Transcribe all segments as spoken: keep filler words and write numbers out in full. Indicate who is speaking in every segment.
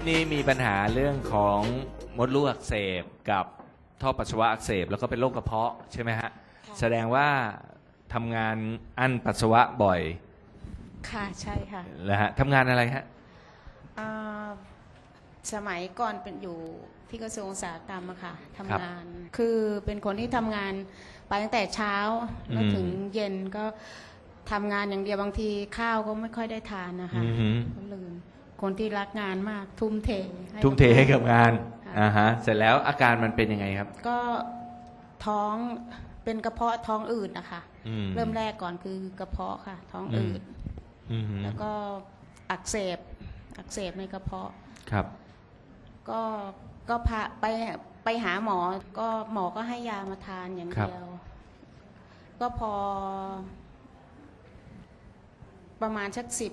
Speaker 1: นี่มีปัญหาเรื่องของมดลูกอักเสบกับท่อปัสสาวะอักเสบแล้วก็เป็นโรคกระเพาะใช่ไหมฮะแสดงว่าทำงานอั้นปัสสาวะบ่อย
Speaker 2: ค่ะใช่ค่ะ
Speaker 1: แล้วฮะทำงานอะไรฮะ
Speaker 2: อ่าสมัยก่อนเป็นอยู่ที่กระทรวงอุตสาหกรรมอะค่ะทำงาน คือเป็นคนที่ทำงานไปตั้งแต่เช้าแล้วถึงเย็นก็ทำงานอย่างเดียวบางทีข้าวก็ไม่ค่อยได้ทานนะคะ
Speaker 1: อือหือ
Speaker 2: ก็ลืมคนที่รักงานมากทุ่มเทให้
Speaker 1: ทุ่มเทให้กับงาน
Speaker 2: ค่ะ
Speaker 1: อ่าฮะเสร็จแล้วอาการมันเป็นยังไงครับ
Speaker 2: ก็ท้องเป็นกระเพาะท้องอืดนะคะ
Speaker 1: อืม
Speaker 2: เริ่มแรกก่อนคือกระเพาะค่ะ ท้องอืด
Speaker 1: อืม
Speaker 2: แล้วก็อักเสบอักเสบในกระเพาะ
Speaker 1: ครับ
Speaker 2: ก็ก็พาไปไปหาหมอก็หมอก็ให้ยามาทานอย่างเดียว ก็พอ ประมาณสักสิบ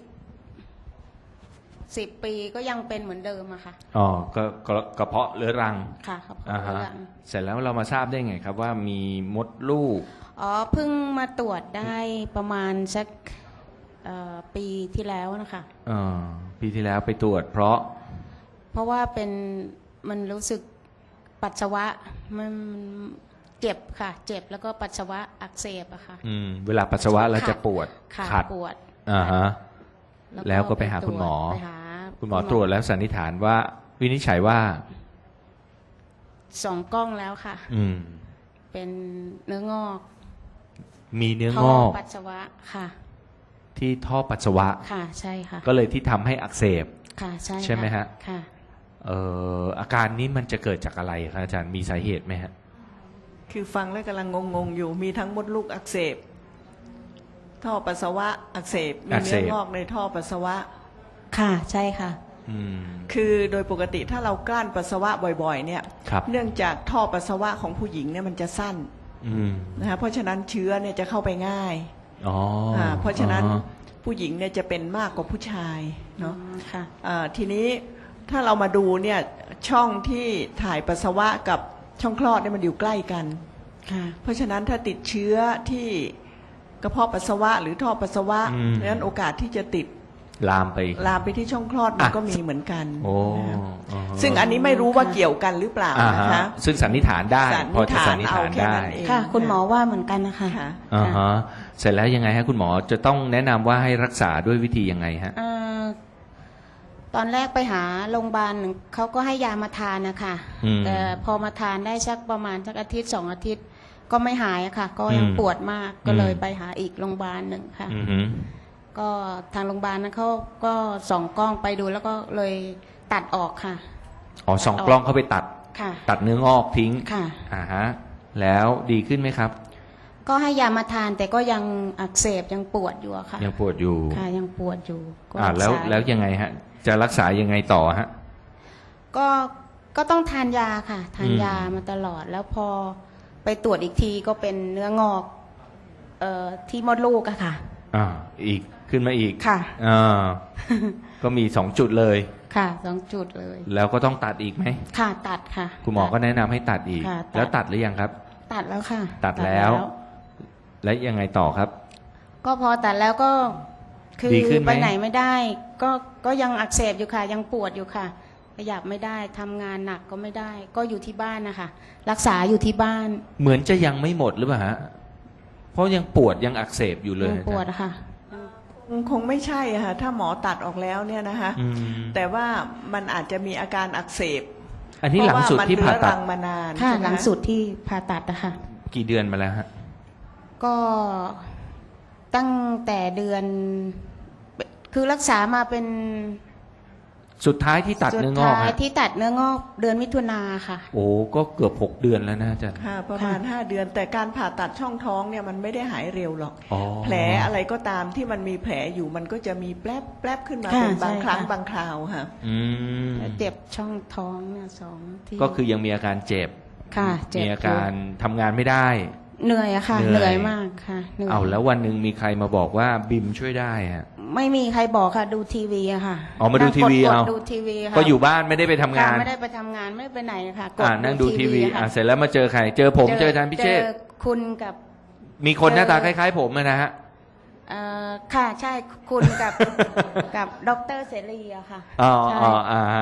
Speaker 2: สิบปีก็ยังเป็นเหมือนเดิมอะค่ะ
Speaker 1: อ๋อก็ก็กระเพาะเรื้อรัง
Speaker 2: ค่ะครับ
Speaker 1: อ่าฮะ
Speaker 2: เรื้อรัง
Speaker 1: เสร็จแล้วเรามาทราบได้ไงครับว่ามีมดลูก
Speaker 2: อ๋อเพิ่งมาตรวจได้ประมาณสักเอ่อปีที่แล้วนะคะ
Speaker 1: เอ่อปีที่แล้วไปตรวจเพราะ
Speaker 2: เพราะว่าเป็นมันรู้สึกปัสสาวะมันเจ็บค่ะ เจ็บแล้วก็ปัสสาวะอักเสบอะค่ะ
Speaker 1: อืมเวลาปัสสาวะเราจะปวด
Speaker 2: ค่ะ
Speaker 1: ขัด
Speaker 2: ปวด
Speaker 1: อ่าฮะ แล้วก็ไปหาคุณหมอ
Speaker 2: ไปหา
Speaker 1: คุณหมอตรวจแล้วสันนิษฐานว่า วินิจฉัยว่า
Speaker 2: สองกล้องแล้วค่ะ
Speaker 1: อืม
Speaker 2: เป็นเนื้องอก
Speaker 1: มีเนื้อ
Speaker 2: ท่
Speaker 1: งอก
Speaker 2: ปัสสาวะค่ะ
Speaker 1: ที่ท่อปัสสาวะ
Speaker 2: ค่ะใช่ค่ะ
Speaker 1: ก็เลยที่ทำให้อักเสบ
Speaker 2: ค่ะใช่
Speaker 1: ใช่ไหมฮะ
Speaker 2: ค่ะ
Speaker 1: เอ่ออาการนี้มันจะเกิดจากอะไรครับอาจารย์มีสาเหตุไหมฮะ
Speaker 3: คือฟังแล้วกำลังงงๆอยู่มีทั้งมดลูกอักเสบท่อปัสสาวะอักเสบมี
Speaker 1: อักเส
Speaker 3: เนื้อบ งอกในท่อปัสสาวะ
Speaker 2: ค่ะใช่ค่ะ
Speaker 1: อืม
Speaker 3: คือโดยปกติถ้าเรากลั้นปัสสาวะบ่อยๆเนี่ย
Speaker 1: ครับ
Speaker 3: เนื่องจากท่อปัสสาวะของผู้หญิงเนี่ยมันจะสั้น
Speaker 1: อืม
Speaker 3: นะคะเพราะฉะนั้นเชื้อเนี่ยจะเข้าไปง่าย
Speaker 1: อ๋ออ่
Speaker 3: าเพราะฉะนั้น
Speaker 1: อ๋อ
Speaker 3: ผู้หญิงเนี่ยจะเป็นมากกว่าผู้ชายเนาะ
Speaker 2: ค่ะ
Speaker 3: อ่าทีนี้ถ้าเรามาดูเนี่ยช่องที่ถ่ายปัสสาวะกับช่องคลอดเนี่ยมันอยู่ใกล้กัน
Speaker 2: ค่ะ
Speaker 3: เพราะฉะนั้นถ้าติดเชื้อที่กระเพาะปัสสาวะหรือท่อปัสสาวะ
Speaker 1: อืม
Speaker 3: ดังนั้นโอกาสที่จะติด
Speaker 1: ลามไป
Speaker 3: ลามไปที่ช่องคลอดมัน
Speaker 1: อ่ะ
Speaker 3: ก็มีเหมือนกัน
Speaker 1: โอ้
Speaker 3: นะครับ
Speaker 1: อ๋อ
Speaker 3: ซึ่งอันนี้ไม่รู้ว่าเกี่ยวกันหรือเปล่า
Speaker 1: อ่า
Speaker 3: นะ
Speaker 1: ฮะ
Speaker 3: คะ
Speaker 1: ซึ่งสันนิษฐานได้
Speaker 3: สันนิษฐาน
Speaker 1: พอจะสันนิษฐาน
Speaker 3: เอาแค่
Speaker 1: ได้
Speaker 3: นั้นเอง
Speaker 2: ค่ะ คุณหมอว่าเหมือนกันนะคะ
Speaker 3: ค่ะ
Speaker 1: อ่าฮะเสร็จแล้วยังไงฮะคุณหมอจะต้องแนะนำว่าให้รักษาด้วยวิธียังไงฮะ
Speaker 2: เอ่อตอนแรกไปหาโรงพยาบาลหนึ่งเขาก็ให้ยามาทานนะคะ
Speaker 1: อืม
Speaker 2: แต่พอมาทานได้สักประมาณสักอาทิตย์สองอาทิตย์ ก็ไม่หายอะค่ะ ก็ยัง
Speaker 1: อืม
Speaker 2: ปวดมากก็
Speaker 1: อืม
Speaker 2: เลยไปหาอีกโรงพยาบาลหนึ่งค่ะ
Speaker 1: อือหือ
Speaker 2: ก็ทางโรงพยาบาลนั้นเขาก็ส่องกล้องไปดูแล้วก็เลยตัดออกค่ะ
Speaker 1: อ๋อสองกล้องเข้าไปตัด
Speaker 2: ค่ะ
Speaker 1: ตัดเนื้องอกทิ้ง
Speaker 2: ค่ะ
Speaker 1: อ่าฮะแล้วดีขึ้นไหมครับ
Speaker 2: ก็ให้ยามาทานแต่ก็ยังอักเสบยังปวดอยู่อะค่ะ
Speaker 1: ยังปวดอยู่
Speaker 2: ค่ะยังปวดอยู่ก็
Speaker 1: อ่าแล้ว
Speaker 2: รักษา
Speaker 1: แล้วยังไงฮะ จะรักษายังไงต่อฮะ
Speaker 2: ก็ก็ต้องทานยาค่ะ ทาน
Speaker 1: อืม
Speaker 2: ยามาตลอด แล้วพอไปตรวจอีกทีก็เป็นเนื้องอกเอ่อที่มดลูกอะค่ะ
Speaker 1: อ่าอีกขึ้นมาอีก
Speaker 2: ค่ะ
Speaker 1: อ่า ก็มีสองจุดเลย
Speaker 2: ค่ะสองจุดเลย
Speaker 1: แล้วก็ต้องตัดอีกไหม
Speaker 2: ค่ะตัดค่ะ
Speaker 1: คุณหมอก็แนะนำให้ตัดอีก
Speaker 2: ค่ะตัด
Speaker 1: แล้วตัดหรือยังครับ
Speaker 2: ตัดแล้วค่ะ
Speaker 1: ตัดแล้ว และยังไงต่อครับ
Speaker 2: ก็พอตัดแล้วก็คือ
Speaker 1: ดีขึ้นไหม
Speaker 2: ไปไหนไม่ได้ ก็ก็ยังอักเสบอยู่ค่ะ ยังปวดอยู่ค่ะ ขยับไม่ได้ทำงานหนักก็ไม่ได้ ก็อยู่ที่บ้านนะคะรักษาอยู่ที่บ้าน
Speaker 1: เหมือนจะยังไม่หมดหรือเปล่าฮะ เพราะยังปวดยังอักเสบอยู่เลย
Speaker 2: ยังปวดอะค่ะ
Speaker 3: คงไม่ใช่อะค่ะถ้าหมอตัดออกแล้วเนี่ยนะคะ
Speaker 1: อืม
Speaker 3: แต่ว่ามันอาจจะมีอาการอักเสบ
Speaker 1: อันนี้หลังสุดที่ผ่า
Speaker 3: เพระว่มันเรื้อ
Speaker 1: ตั
Speaker 3: รั
Speaker 1: ด
Speaker 3: งมานาน
Speaker 2: ค่ะ
Speaker 3: ใช่ไม
Speaker 2: หลังสุดที่ผ่าตัดนะคะ
Speaker 1: กี่เดือนมาแล้วฮะ
Speaker 2: ก็ตั้งแต่เดือน คือรักษามาเป็น
Speaker 1: สุดท้ายที่ตัด
Speaker 2: สุ
Speaker 1: เนื้องอก
Speaker 2: ท้าย
Speaker 1: ฮะ
Speaker 2: ที่ตัดเนื้องอกเดือนมิถุนาค่ะ
Speaker 1: โอ้ก็เกือบหกเดือนแล้วนะอาจารย์
Speaker 3: ค่ะประมาณ
Speaker 2: ค่ะ
Speaker 3: ห้าเดือน แต่การผ่าตัดช่องท้องเนี่ยมันไม่ได้หายเร็วหรอก
Speaker 1: อ๋อ
Speaker 3: แผลอะไรก็ตามที่มันมีแผลอยู่มันก็จะมีแปลบแปลบขึ้นมา
Speaker 2: ค่ะ
Speaker 3: เป็นบาง
Speaker 2: ใช่
Speaker 3: ครั้ง
Speaker 2: ค่ะ
Speaker 3: บางคราวค่ะ
Speaker 1: อืม
Speaker 2: เจ็บช่องท้องเนี่ยสองที่
Speaker 1: ก็คือยังมีอาการเจ็บ
Speaker 2: ค่ะเจ็บ
Speaker 1: มีอาการทำงานไม่ได้
Speaker 2: เหนื่อยอะค่ะ
Speaker 1: เหนื่อย
Speaker 2: เหนื่อยมากค่ะเหนื่อย
Speaker 1: เอาแล้ววันหนึ่งมีใครมาบอกว่าบิมช่วยได้ฮะ
Speaker 2: ไม่มีใครบอกค่ะ ดูทีวีอะค่ะ
Speaker 1: อ๋อมาดูทีวี
Speaker 2: นั่งก
Speaker 1: เอา
Speaker 2: ดๆดูทีวีค่ะ
Speaker 1: ก็อยู่บ้านไม่ได้ไปทำงาน
Speaker 2: ค่ะไม่ได้ไปทำงานไม่ได้ไปไหนค่ะกด
Speaker 1: อ่านั่งดูทีวี
Speaker 2: ค่ะ
Speaker 1: อ่าเสร็จแล้วมาเจอใคร เจอผมเจออาจารย์พิเชษฐ์
Speaker 2: จอคุณกับ
Speaker 1: มีคนหน้าตา
Speaker 2: เจ
Speaker 1: ค
Speaker 2: อ
Speaker 1: ล้าย ๆ ผมอะนะฮะ
Speaker 2: เอ่อค่ะใช่คุณกับ กับดรเสรีอะค่ะ
Speaker 1: อ๋อ
Speaker 2: ใช่
Speaker 1: อ๋ออ่าฮะ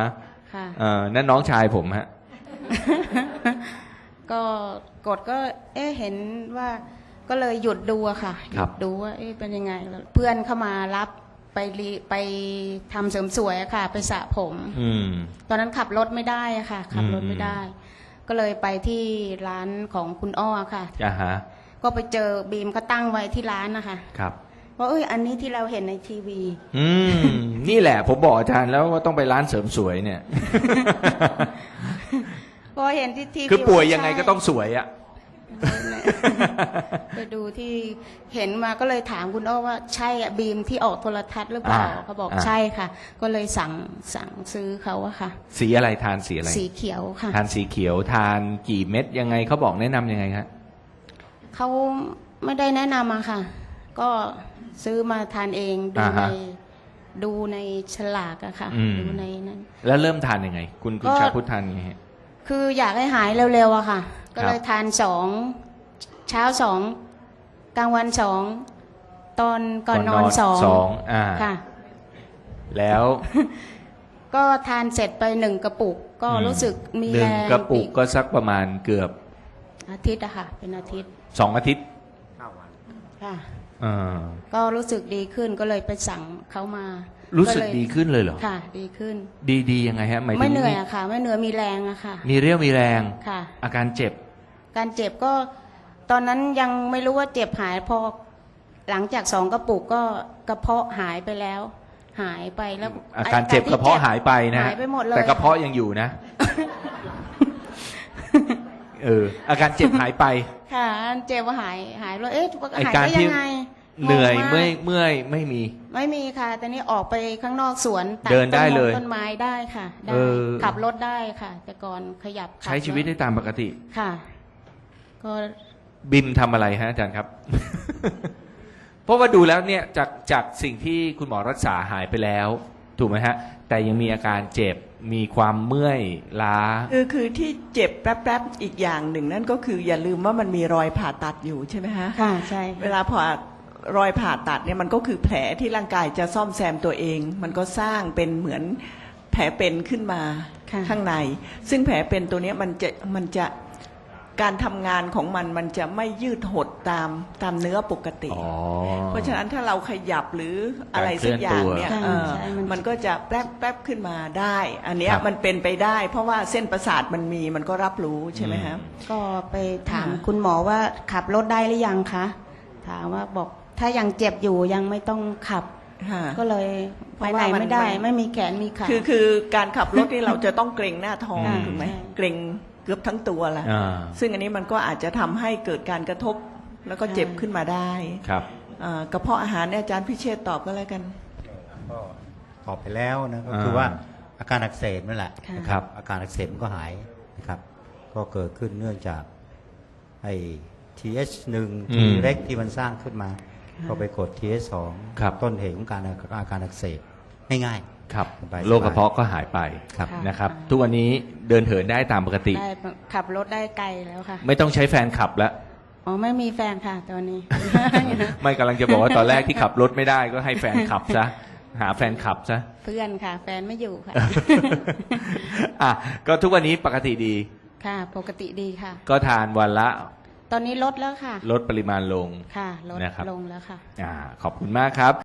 Speaker 2: ค่ะ
Speaker 1: เอ่อนั่นน้องชายผมฮะ
Speaker 2: ก็กดก็เอ๊ะเห็นว่าก็เลยหยุดดูอะค่ะห
Speaker 1: ครั
Speaker 2: ยุ
Speaker 1: บ
Speaker 2: ดดูว่าเอ๊ะเป็นยังไงแล้วเพื่อนเข้ามารับไปรีไปทำเสริมสวยอะค่ะ ไปสระผม
Speaker 1: อืม
Speaker 2: ตอนนั้นขับรถไม่ได้อะค่ะ ขับรถไม่ได้ ก็เลยไปที่ร้านของคุณอ้อค่ะ
Speaker 1: อ่าฮะ
Speaker 2: ก็ไปเจอบีมเขาตั้งไว้ที่ร้านนะคะ
Speaker 1: ครับ
Speaker 2: ว่าเอ้ยอันนี้ที่เราเห็นในทีวี
Speaker 1: อืม นี่แหละผมบอกอาจารย์แล้วว่าต้องไปร้านเสริมสวยเนี่ย
Speaker 2: พอเห็นที่ทีวี
Speaker 1: คือป่วยยังไงก็ต้องสวยอะ
Speaker 2: ไปดูที่เห็นมาก็เลยถามคุณอ้อว่าใช่อะบีมที่ออกโทรทัศน์หรือเปล่า
Speaker 1: อ่า
Speaker 2: เขาบอก
Speaker 1: อ่า
Speaker 2: ใช่ค่ะ ก็เลยสั่งสั่งซื้อเขาอะค่ะ
Speaker 1: สีอะไรทานสีอะไร
Speaker 2: สีเขียวค่ะ
Speaker 1: ทานสีเขียวทานกี่เม็ดยังไงเขาบอกแนะนำยังไงครับ
Speaker 2: เขาไม่ได้แนะนำอะค่ะ ก็ซื้อมาทานเองดู
Speaker 1: อ่า
Speaker 2: ใน
Speaker 1: ฮะ
Speaker 2: ดูในฉลากอะค่ะ
Speaker 1: อืม
Speaker 2: ดูในนั้น
Speaker 1: แล้วเริ่มทานยังไง คุณคุณ
Speaker 2: ก็
Speaker 1: ชาพุทธทานยังไงฮะ
Speaker 2: คืออยากให้หายเร็วๆอะค่ะ ก็เลยทานสองเช้าสองกลางวันสองตอนก่อนนอนสอง
Speaker 1: สองอ่า
Speaker 2: ค่ะ
Speaker 1: แล้ว
Speaker 2: ก็ทานเสร็จไปหนึ่งกระปุก ก็
Speaker 1: อืม
Speaker 2: รู้สึกมี
Speaker 1: หนึ่
Speaker 2: แรง ง
Speaker 1: กระปุก
Speaker 2: อี
Speaker 1: ก็สักประมาณเกือบ
Speaker 2: อาทิตย์อะค่ะ เป็นอาทิตย์
Speaker 1: สองอาทิตย์
Speaker 2: ค่ะ
Speaker 1: อ่า
Speaker 2: ก็รู้สึกดีขึ้นก็เลยไปสั่งเขามา
Speaker 1: รู้สึก
Speaker 2: เลย
Speaker 1: ดีขึ้นเลยเหรอ
Speaker 2: ค่ะ ดีขึ้น
Speaker 1: ดีดียังไงฮะหมายถึง
Speaker 2: ไม่เหนื่อยอะค่ะ ไม่เหนื่อยมีแรงอะค่ะ
Speaker 1: มีเรี่ยวมีแรง
Speaker 2: ค่ะ
Speaker 1: อาการเจ็บ
Speaker 2: การเจ็บก็ตอนนั้นยังไม่รู้ว่าเจ็บหายพอหลังจากสองกระปุกก็กระเพาะหายไปแล้ว หายไปแล้ว
Speaker 1: อาการเจ็บกระเพาะหายไปนะฮะ
Speaker 2: หายไปหมดเลย
Speaker 1: แต่กระเพาะยังอยู่นะ เออ อาการเจ็บหายไป
Speaker 2: ค่ะเจ็บว่าหายหายแล้วเอ๊ะ
Speaker 1: ไอ้
Speaker 2: หาย
Speaker 1: การ
Speaker 2: ได้
Speaker 1: ที่
Speaker 2: ยังไง
Speaker 1: เหนื่อย
Speaker 2: งงาก
Speaker 1: เมื่อยเมื่อยไม่มี
Speaker 2: ไม่มีค่ะแต่นี่ออกไปข้างนอกสวนตั
Speaker 1: เดินได้
Speaker 2: ต้มง
Speaker 1: เลย
Speaker 2: ต้นไม้ได้ค่ะได้
Speaker 1: เออ
Speaker 2: ขับรถได้ค่ะ แต่ก่อนขยับขับ
Speaker 1: ใช้ชีวิตได้ตามปกติ
Speaker 2: ค่ะ ก็
Speaker 1: บิมทำอะไรฮะอาจารย์ครับ เพราะว่าดูแล้วเนี่ยจากจากสิ่งที่คุณหมอรักษาหายไปแล้ว ถูกไหมฮะ แต่ยังมีอาการเจ็บมีความเมื่อยล้า
Speaker 3: คือคือที่เจ็บแป๊บๆอีกอย่างหนึ่งนั่นก็คืออย่าลืมว่ามันมีรอยผ่าตัดอยู่ใช่ไหมฮะ
Speaker 2: ค่ะใช่
Speaker 3: เวลาผ่ารอยผ่าตัดเนี่ยมันก็คือแผลที่ร่างกายจะซ่อมแซมตัวเอง มันก็สร้างเป็นเหมือนแผลเป็นขึ้นมา
Speaker 2: ค่ะ
Speaker 3: ข้างใน ซึ่งแผลเป็นตัวเนี้ยมันจะมันจะการทำงานของมันมันจะไม่ยืดหดตามตามเนื้อปกติ
Speaker 1: อ๋อ
Speaker 3: เพราะฉะนั้นถ้าเราขยับหรืออะไรสักอย่างเนี่ย
Speaker 2: การเคลื่อนตัว
Speaker 3: เออ
Speaker 2: ใช่มัน
Speaker 3: มันก็จะแป๊บแป๊บขึ้นมาได้ อันเนี้ย
Speaker 1: ครับ
Speaker 3: มันเป็นไปได้ เพราะว่าเส้นประสาทมันมีมันก็รับรู้ใช่ไหมครับ
Speaker 2: ก็ไปถาม
Speaker 3: ค่ะ
Speaker 2: คุณหมอว่าขับรถได้หรือยังคะถามว่าบอกถ้ายังเจ็บอยู่ยังไม่ต้องขับ
Speaker 3: ค่ะ
Speaker 2: ก็เลยไปไหน
Speaker 3: เพราะว่ามัน
Speaker 2: ไม่ได้
Speaker 3: มัน
Speaker 2: ไม่มีแขนมีขา
Speaker 3: คือคือการขับรถนี่เราจะต้องเกรงหน้าท้อง
Speaker 2: อ่า
Speaker 3: ถูกไหม
Speaker 2: ใช่
Speaker 3: เกรงเกือบทั้งตัวแหละ
Speaker 1: อ่า
Speaker 3: ซึ่งอันนี้มันก็อาจจะทำให้เกิดการกระทบแล้วก็เจ็บขึ้นมาได้
Speaker 1: ครับ
Speaker 3: อ่ากระเพาะอาหารเนี่ยอาจารย์พิเชษฐ์ตอบก็แล้วกัน
Speaker 4: ก็ตอบไปแล้วนะก็
Speaker 1: อ่า
Speaker 4: คือว่าอาการอักเสบนั่นแหละ
Speaker 2: ค่ะ
Speaker 1: ครับ
Speaker 4: อาการอักเสบมันก็หายนะครับ ก็เกิดขึ้นเนื่องจากไอ้ ที เอช หนึ่ง
Speaker 1: อื
Speaker 4: ที
Speaker 1: ม
Speaker 4: เล็กที่มันสร้างขึ้นมา ก็ไปกด ที เอช สอง
Speaker 1: ครับ
Speaker 4: ต้นเหตุของการอาการอักเสบง่าย
Speaker 1: ครับ
Speaker 4: สบายๆ
Speaker 1: โรคกระเพาะก็หายไป
Speaker 4: ครับ
Speaker 2: ค่ะ
Speaker 1: นะครับ ทุกวันนี้เดินเหินได้ตามปกติ
Speaker 2: ได้ขับรถได้ไกลแล้วค่ะ
Speaker 1: ไม่ต้องใช้แฟนขับแล้ว
Speaker 2: อ๋อไม่มีแฟนค่ะตอนนี้
Speaker 1: ไม่กำลังจะบอกว่าตอนแรกที่ขับรถไม่ได้ก็ให้แฟนขับซะ หาแฟนขับซะ
Speaker 2: เพื่อนค่ะ แฟนไม่อยู่ค่ะ
Speaker 1: อ่ะก็ทุกวันนี้ปกติดี
Speaker 2: ค่ะ ปกติดีค่ะ
Speaker 1: ก็ทานวันละ
Speaker 2: ตอนนี้ลดแล้วค่ะ
Speaker 1: ลดปริมาณลง
Speaker 2: ค่ะลด
Speaker 1: นะครับ
Speaker 2: ลงแล้วค่ะ
Speaker 1: อ่าขอบคุณมากครับ